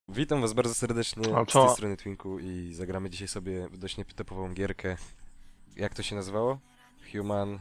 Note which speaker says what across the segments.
Speaker 1: Witam was bardzo serdecznie
Speaker 2: A
Speaker 1: z
Speaker 2: co?
Speaker 1: tej strony Twinku i zagramy dzisiaj sobie w dość nietypową gierkę. Jak to się nazywało? Human...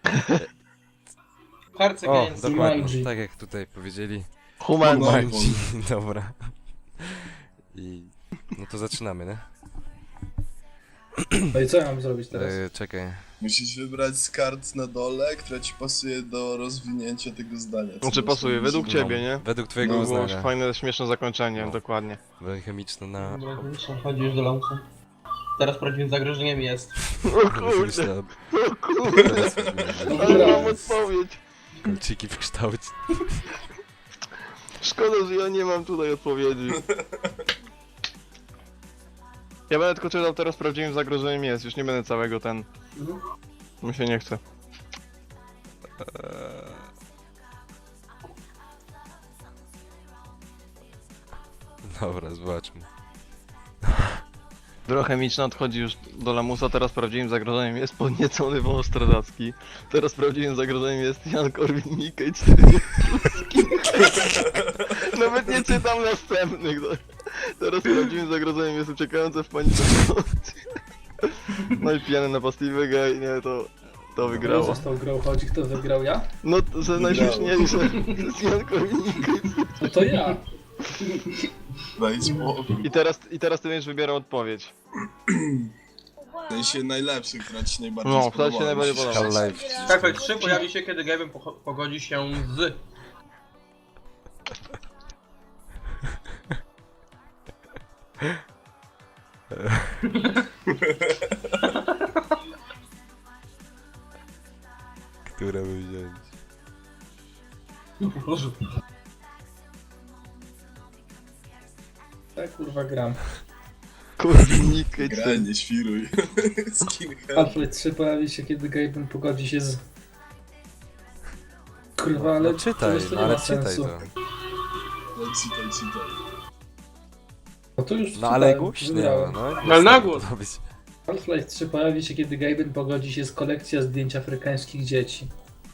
Speaker 3: Cards
Speaker 1: O,
Speaker 3: Against
Speaker 1: dokładnie,
Speaker 3: Humanity.
Speaker 1: tak jak tutaj powiedzieli.
Speaker 2: Human.
Speaker 1: Humanci. Dobra. I... no to zaczynamy, nie?
Speaker 3: No i co ja mam zrobić teraz?
Speaker 1: Czekaj.
Speaker 4: Musisz wybrać z kart na dole, która ci pasuje do rozwinięcia tego zdania. co
Speaker 2: Znaczy
Speaker 4: masz
Speaker 2: pasuje,
Speaker 4: powiedzieć.
Speaker 2: według ciebie, nie?
Speaker 1: Według twojego
Speaker 4: No,
Speaker 2: Było
Speaker 1: uznania.
Speaker 2: fajne, śmieszne zakończenie,
Speaker 1: No.
Speaker 2: dokładnie.
Speaker 1: Broń chemiczna na...
Speaker 3: Chodzisz do lamusa. Teraz prawdziwym zagrożeniem jest.
Speaker 2: O kurde, o kurde,
Speaker 1: Teraz
Speaker 2: ale mam odpowiedź.
Speaker 1: kolciki w kształcie.
Speaker 2: Szkoda, że ja nie mam tutaj odpowiedzi. Ja będę tylko czytał teraz prawdziwym zagrożeniem jest, już nie będę całego ten... Mi się nie chce.
Speaker 1: Dobra, zobaczmy.
Speaker 2: Broń chemiczna odchodzi już do lamusa, teraz prawdziwym zagrożeniem jest podniecony wąż stradacki. Teraz prawdziwym zagrożeniem jest Jan Korwin-Mikke 4 Nawet nie czytam następnych. Teraz prawdziwym zagrożeniem jest uciekające w panice No i pijany napastliwy gej, nie, to
Speaker 3: Kto
Speaker 2: wygrało.
Speaker 3: został grał, chodzi, kto wygrał ja?
Speaker 2: No, to że najśmieszniejsze jest Jan Korwin-Mikke.
Speaker 3: No to ja.
Speaker 4: Daj spokój.
Speaker 2: I teraz ty będziesz wybierał odpowiedź.
Speaker 4: W sensie najlepszy, która ci najbardziej
Speaker 2: No,
Speaker 4: spodobała.
Speaker 2: która ci najbardziej
Speaker 4: Musisz-
Speaker 2: podoba.
Speaker 1: Half-Life.
Speaker 3: Starflight 3 pojawi się, kiedy Gaben pogodzi się z...
Speaker 1: Które by wziąć?
Speaker 3: Boże. Tak kurwa gram.
Speaker 2: Korwin-Mikke
Speaker 4: Graj,
Speaker 2: 4
Speaker 4: nie świruj. Skinhead.
Speaker 3: Starflight 3 pojawi się, kiedy Gaben pogodzi się z... Kurwa, ale...
Speaker 1: No czytaj,
Speaker 3: przecież to
Speaker 1: no
Speaker 3: nie
Speaker 1: ale
Speaker 3: ma
Speaker 1: czytaj
Speaker 3: sensu.
Speaker 1: to.
Speaker 4: No, czytaj.
Speaker 3: No to już
Speaker 1: No ale
Speaker 3: czytałem,
Speaker 1: głośno,
Speaker 3: wybrałem.
Speaker 1: no.
Speaker 3: Ale na głos.
Speaker 1: To być.
Speaker 3: Half-Life 3 pojawi się, kiedy Gaben pogodzi się z kolekcją zdjęć afrykańskich dzieci.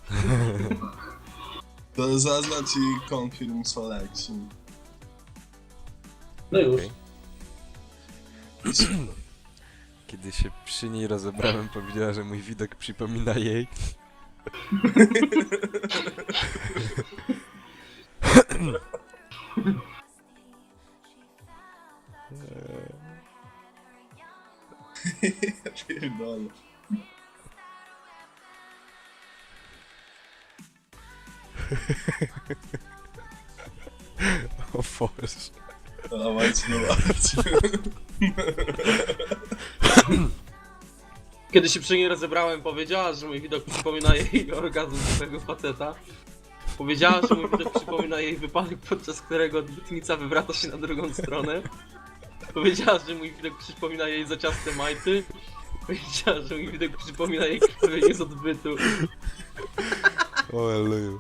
Speaker 4: To zaznacz i confirm selection.
Speaker 3: No już.
Speaker 1: Okej. Kiedy się przy niej rozebrałem, powiedziała, że mój widok przypomina jej.
Speaker 4: Ja pierdolę.
Speaker 1: O Boże.
Speaker 4: Dawajcie, dawajcie.
Speaker 5: Kiedy się przy niej rozebrałem, powiedziała, że mój widok przypomina jej orgazm swojego faceta. Powiedziała, że mój widok przypomina jej wypadek, podczas którego odbytnica wywraca się na drugą stronę. Powiedziała, że mój widok przypomina jej zaciaste majty. Powiedziała, że mój widok przypomina jej krwawienie z odbytu.
Speaker 1: O Eluju.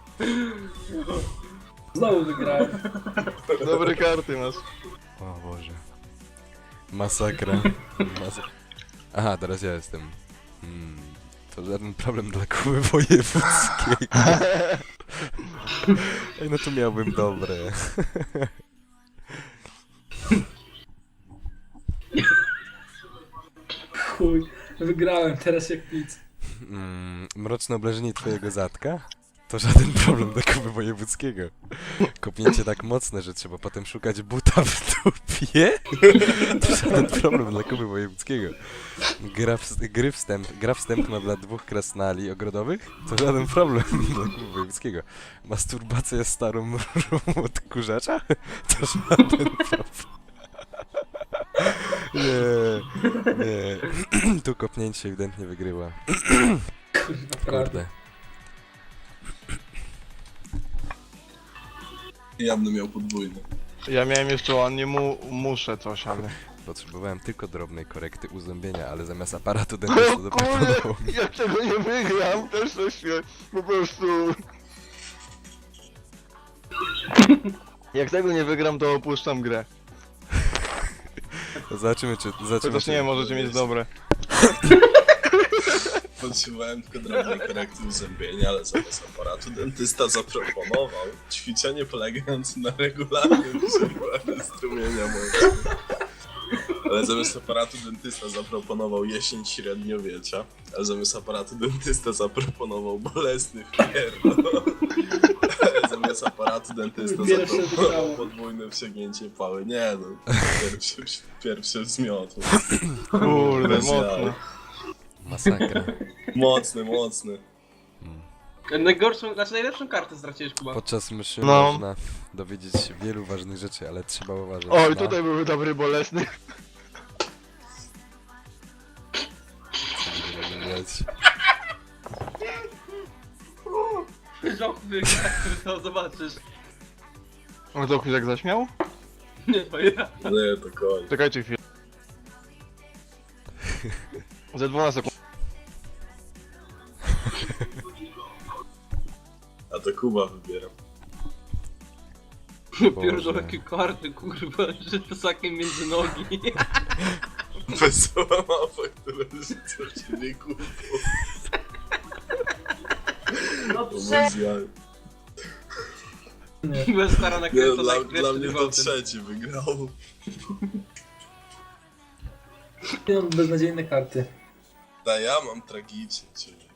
Speaker 3: Znowu wygrałem.
Speaker 2: Dobre karty masz.
Speaker 1: O Boże. Masakra. Aha, teraz ja jestem. To żaden problem dla Kuby Wojewódzkiej. Ej, no to miałbym dobre.
Speaker 3: Chuj, wygrałem teraz jak nic.
Speaker 1: Mroczne obleżenie twojego zatka? To żaden problem dla Kuby Wojewódzkiego. Kopnięcie tak mocne, że trzeba potem szukać buta w dupie? To żaden problem dla Kuby Wojewódzkiego. Gra wstępna dla 2 krasnali ogrodowych? To żaden problem dla Kuby Wojewódzkiego. Masturbacja starą mrówą odkurzacza? To żaden problem. Nie. Tu kopnięcie ewidentnie wygrywa.
Speaker 3: Kurwa, prawda.
Speaker 1: Kurde.
Speaker 4: Ja będę miał podwójny.
Speaker 2: Ja miałem jeszcze ładnie muszę coś, ale...
Speaker 1: Potrzebowałem tylko drobnej korekty uzębienia, ale zamiast aparatu dentysty zaproponował mi...
Speaker 2: Ja tego nie wygram, też coś się po prostu... Jak tego nie wygram, to opuszczam grę.
Speaker 1: Zobaczymy czy...
Speaker 2: Chociaż nie, możecie mieć dobre.
Speaker 4: potrzebowałem tylko drobnej korekty uzębienia, ale zamiast aparatu dentysta zaproponował ćwiczenie polegające na regularnym przerywaniu strumienia mocy. Ale zamiast aparatu dentysta zaproponował jesień średniowiecza, a zamiast aparatu dentysta zaproponował bolesny wpierdol. Ale zamiast aparatu dentysta
Speaker 3: Pierwsze
Speaker 4: zaproponował
Speaker 3: wybrało.
Speaker 4: podwójne przegięcie pały. Nie no, pierwszy wzmiot.
Speaker 2: Kurde,
Speaker 4: Bez jaj.
Speaker 2: mocno.
Speaker 1: Masakra.
Speaker 4: Mocny.
Speaker 5: Najgorszą, znaczy najlepszą kartę straciłeś, Kuba.
Speaker 1: Podczas mszy
Speaker 2: No.
Speaker 1: można dowiedzieć się wielu ważnych rzeczy, ale trzeba uważać
Speaker 2: Oj,
Speaker 1: na...
Speaker 2: tutaj były dobry bolesny.
Speaker 5: Żochwy, to zobaczysz.
Speaker 2: A to jak zaśmiał?
Speaker 5: Nie, to ja.
Speaker 4: Nie, to koń.
Speaker 2: Czekajcie chwilę. Za 12 sekund.
Speaker 4: A to Kuba wybiera.
Speaker 5: Pierdolę jakie karty, kurwa, że psakiem między nogi.
Speaker 4: Wesoła mapa, która rzuca w ciebie kupą.
Speaker 5: No
Speaker 4: To bez jaj.
Speaker 3: Nie.
Speaker 5: Byłem stara na
Speaker 4: Nie,
Speaker 5: kręto,
Speaker 4: dla mnie to trzeci wygrał.
Speaker 3: Ja mam beznadziejne karty.
Speaker 4: A ja mam tragicznie, czyli...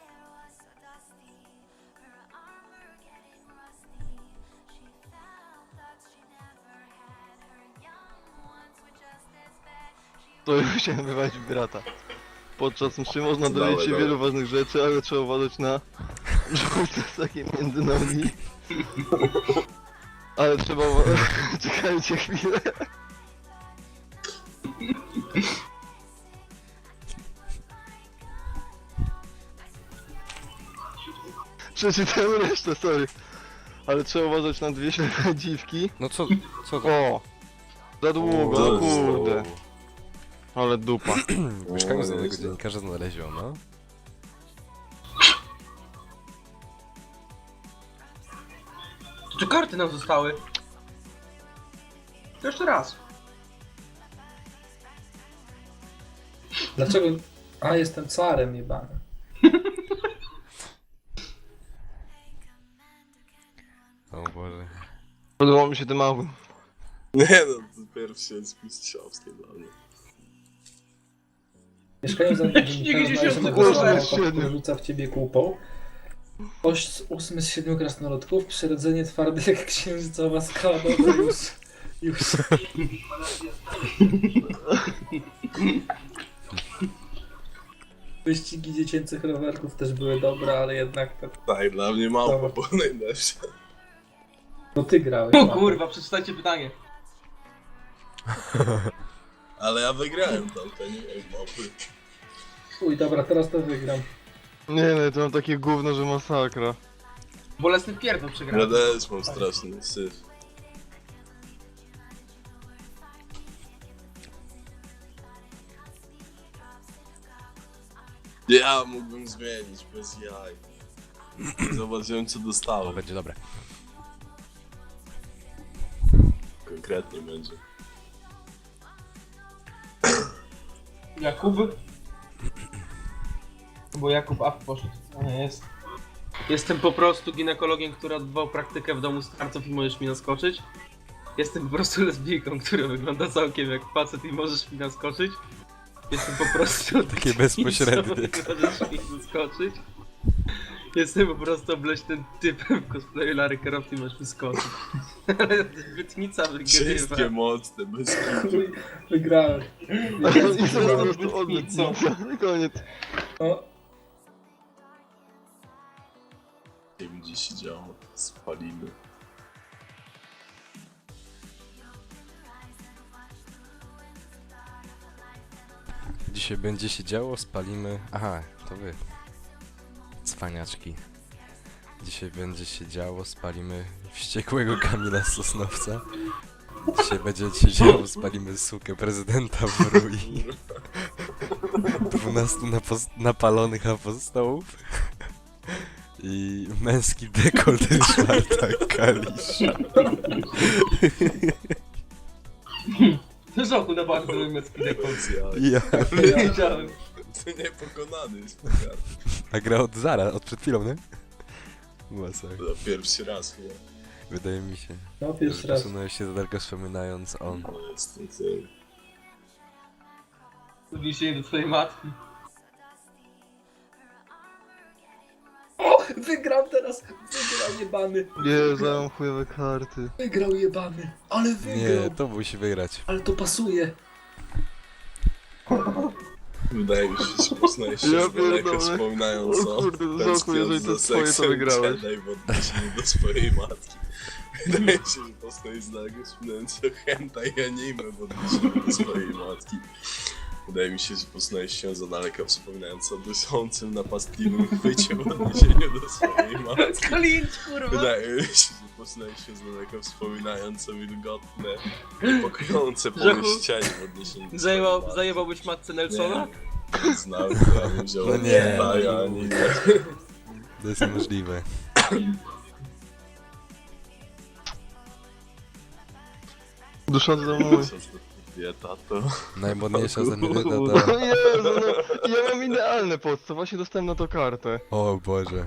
Speaker 2: To już chciałem wywalić brata. Podczas mszy można
Speaker 4: Dawaj,
Speaker 2: dowiedzieć się
Speaker 4: dawaj.
Speaker 2: wielu ważnych rzeczy, ale trzeba uważać na żółte takie między nogi. Ale trzeba uważać... Czekajcie chwilę. Przeczytałem resztę, sorry. Ale trzeba uważać na dwie ślepe dziwki.
Speaker 1: No co to?
Speaker 2: O! Za długo,
Speaker 4: O,
Speaker 2: no kurde. Ale dupa.
Speaker 1: W mieszkaniu znanego
Speaker 4: nieźle.
Speaker 1: dziennikarza znaleziono.
Speaker 5: Czy karty nam zostały? To jeszcze raz.
Speaker 3: Dlaczego? A, jestem carem jebanym.
Speaker 1: O Boże.
Speaker 2: Podobał mi się ten mały.
Speaker 4: Nie no, to pierwszy jest mistrzowskie dla mnie.
Speaker 3: Mieszkają za mną
Speaker 5: widzisz,
Speaker 3: znalezionego
Speaker 2: jak
Speaker 3: złamał,
Speaker 2: to
Speaker 3: który rzuca w ciebie kupą. Kość z 8 z 7 krasnoludków, przyrodzenie twarde jak księżycowa skała, dobra już. Wyścigi dziecięcych rowerków też były dobre, ale jednak to...
Speaker 4: Tak, dla mnie małpa
Speaker 3: Dobra.
Speaker 4: była najlepsza.
Speaker 3: No ty grałeś.
Speaker 5: O
Speaker 3: Paweł.
Speaker 5: kurwa, przeczytajcie pytanie.
Speaker 4: Ale ja wygrałem tamte, nie wiem, małpy.
Speaker 3: Uj, dobra, teraz to wygram.
Speaker 2: Nie no, to mam takie gówno, że masakra.
Speaker 5: Bolesny pierdol
Speaker 4: Ja
Speaker 5: przegrałem.
Speaker 4: też mam straszny syf. Ja mógłbym zmienić, bez jaj. Zobaczyłem co
Speaker 1: To
Speaker 4: dostałem.
Speaker 1: będzie dobre.
Speaker 4: Konkretnie będzie.
Speaker 5: Jakub? Bo Jakub Ap poszedł. A nie jest. Jestem po prostu ginekologiem, który odbywał praktykę w domu starców i możesz mi naskoczyć. Jestem po prostu lesbijką, która wygląda całkiem jak facet i możesz mi naskoczyć. Jestem po prostu
Speaker 1: Takie bezpośrednie.
Speaker 5: Możesz mi naskoczyć. Jestem po prostu obleśnym typem w cosplayu Larry Croft i możesz mi skoczyć. Ale bytnica
Speaker 4: Wszystkie
Speaker 5: wygrywa.
Speaker 4: mocne, bez kitu.
Speaker 3: Uj, wygrałem.
Speaker 2: I to po prostu odbytnica. Koniec.
Speaker 3: O,
Speaker 4: Nie wiem gdzie się działo, spalimy.
Speaker 1: Dzisiaj będzie się działo, spalimy... Aha, to wy. Cwaniaczki. Dzisiaj będzie się działo, spalimy wściekłego Kamila z Sosnowca. Dzisiaj będzie się działo, spalimy sukę prezydenta w Rui. 12 napalonych apostołów. I męski dekolt Ryszarda Kalisza.
Speaker 5: Żoku na bardzo niemiecki dekolt.
Speaker 4: Bez jaj.
Speaker 1: Ja.
Speaker 5: Wiedziałem.
Speaker 4: Ty niepokonany jest po kartę.
Speaker 1: A gra od zara, od przed chwilą, nie? Masakra.
Speaker 4: To pierwszy raz chyba.
Speaker 1: Wydaje mi się,
Speaker 3: No,
Speaker 1: że
Speaker 3: pierwszy raz.
Speaker 1: przesunąłeś się za daleko wspominając o...
Speaker 4: No jest ty.
Speaker 5: Odniesienie do twojej matki.
Speaker 3: Wygrał teraz! Wygrał jebany!
Speaker 2: Jezu, ja mam chujowe karty.
Speaker 3: Wygrał jebany! Ale wygrał!
Speaker 1: Nie, to musi wygrać.
Speaker 3: Ale to pasuje!
Speaker 4: Wydaje mi się, że poznajesz się
Speaker 2: Ja
Speaker 4: z daleka
Speaker 2: pierdolę.
Speaker 4: wspominając
Speaker 2: O
Speaker 4: o
Speaker 2: kurde, to zachuj, jeżeli to
Speaker 4: tęskniąc za
Speaker 2: twoje, to
Speaker 4: seksem
Speaker 2: wygrałeś.
Speaker 4: Jedi w odniesieniu do swojej matki. Wydaje mi się, że poznajesz z daleka wspominając o hentai anime w odniesieniu do swojej matki. Wydaje mi się, że poznajesz się za daleka wspominając o dyszącym, napastliwym chwycie w odniesieniu do swojej matki.
Speaker 5: Klincz, kurwa!
Speaker 4: Wydaje mi się, że poznajesz się z daleka wspominając o wilgotne, niepokojące pomieścianie w odniesieniu do swojej matki.
Speaker 5: Zajebałbyś matce Nelsona?
Speaker 4: Nie znam, ja bym wziął
Speaker 1: No nie.
Speaker 4: hentai anime.
Speaker 1: To jest niemożliwe.
Speaker 2: Duszący to mój.
Speaker 4: Dieta to...
Speaker 1: Najmodniejsza ostatnia
Speaker 2: O
Speaker 1: to...
Speaker 2: Jezu, no, ja mam idealne podstaw, właśnie dostałem na to kartę.
Speaker 1: O Boże.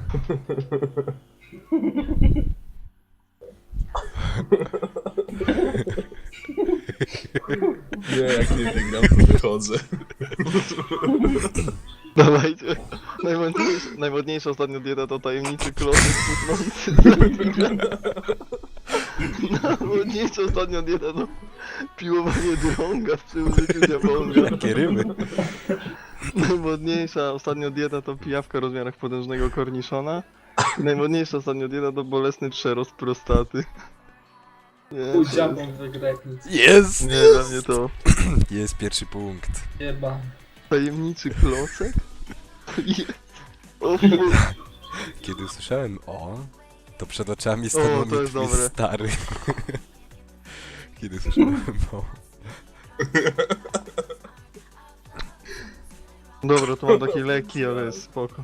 Speaker 4: Nie, jak nie wygram, to wychodzę.
Speaker 2: Dawajcie. Najmodniejsza ostatnio dieta to tajemniczy klocek cuchnący z wina. Najmodniejsza ostatnio dieta to piłowanie drąga przy użyciu diabonga.
Speaker 1: Jakie ryby.
Speaker 2: Najmodniejsza ostatnio dieta to pijawka w rozmiarach potężnego korniszona. I najmodniejsza ostatnio dieta to bolesny przerost prostaty. Nie,
Speaker 3: Pójdź dziabą wygra jak nic.
Speaker 1: Jest!
Speaker 2: nie dla mnie to.
Speaker 1: Jest pierwszy punkt.
Speaker 3: Jebany.
Speaker 2: Tajemniczy klocek? Je- O fuj.
Speaker 1: Kiedy usłyszałem o, to przed oczami stanął
Speaker 2: O, to
Speaker 1: mi
Speaker 2: jest
Speaker 1: twój
Speaker 2: dobre.
Speaker 1: stary. Kiedy usłyszałem o.
Speaker 2: Dobra, to mam takie leki, ale jest spoko.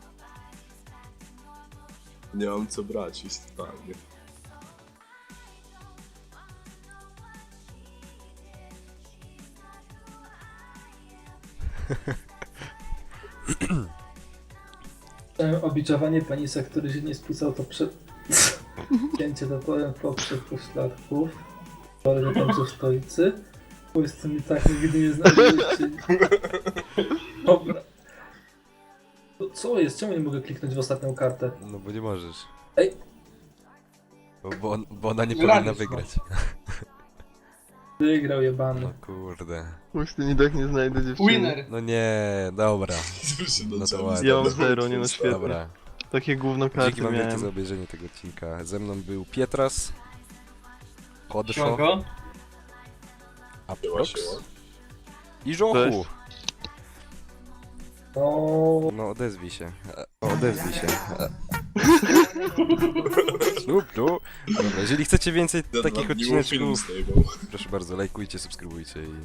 Speaker 4: Nie mam co brać, jest totalnie.
Speaker 3: Obiczowanie penisa, który się nie spisał, to przed... Cięcie toporem poprzez pośladków. Tory na końcu stoicy. Pójście mi tak nigdy nie znaleźliście. Dobra. No co jest? Czemu nie mogę kliknąć w ostatnią kartę?
Speaker 1: No bo nie możesz.
Speaker 3: Ej.
Speaker 1: Bo ona nie
Speaker 5: Wygraliśmy.
Speaker 1: powinna wygrać.
Speaker 3: Wygrał jebany.
Speaker 1: No kurde.
Speaker 2: Właśnie i tak nie znajdę dziewczyny.
Speaker 5: Winner!
Speaker 1: No nie, dobra.
Speaker 4: No
Speaker 1: to ładnie.
Speaker 2: Ja mam zero, nie no świetnie.
Speaker 1: Dobra.
Speaker 2: Takie gówno
Speaker 1: Dzięki
Speaker 2: karty
Speaker 1: wam wielkie za
Speaker 2: miałem.
Speaker 1: obejrzenie tego odcinka. Ze mną był Pietras. Hodyszo.
Speaker 5: Siemanko.
Speaker 1: Aprox. I Żochu.
Speaker 3: O,
Speaker 1: No odezwij się. Odezwij się. Lub tu. Dobra, jeżeli chcecie więcej takich odcineczków, proszę bardzo, lajkujcie, subskrybujcie i...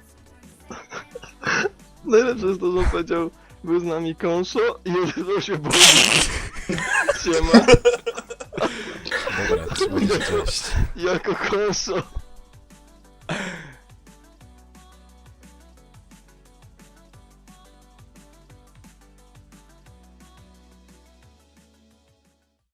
Speaker 2: Najlepsze jest to, że on powiedział, był z nami Konszo i odezwał się Bogu. Siema,
Speaker 1: Dobra, trzymajcie się, cześć.
Speaker 2: jako Konszo.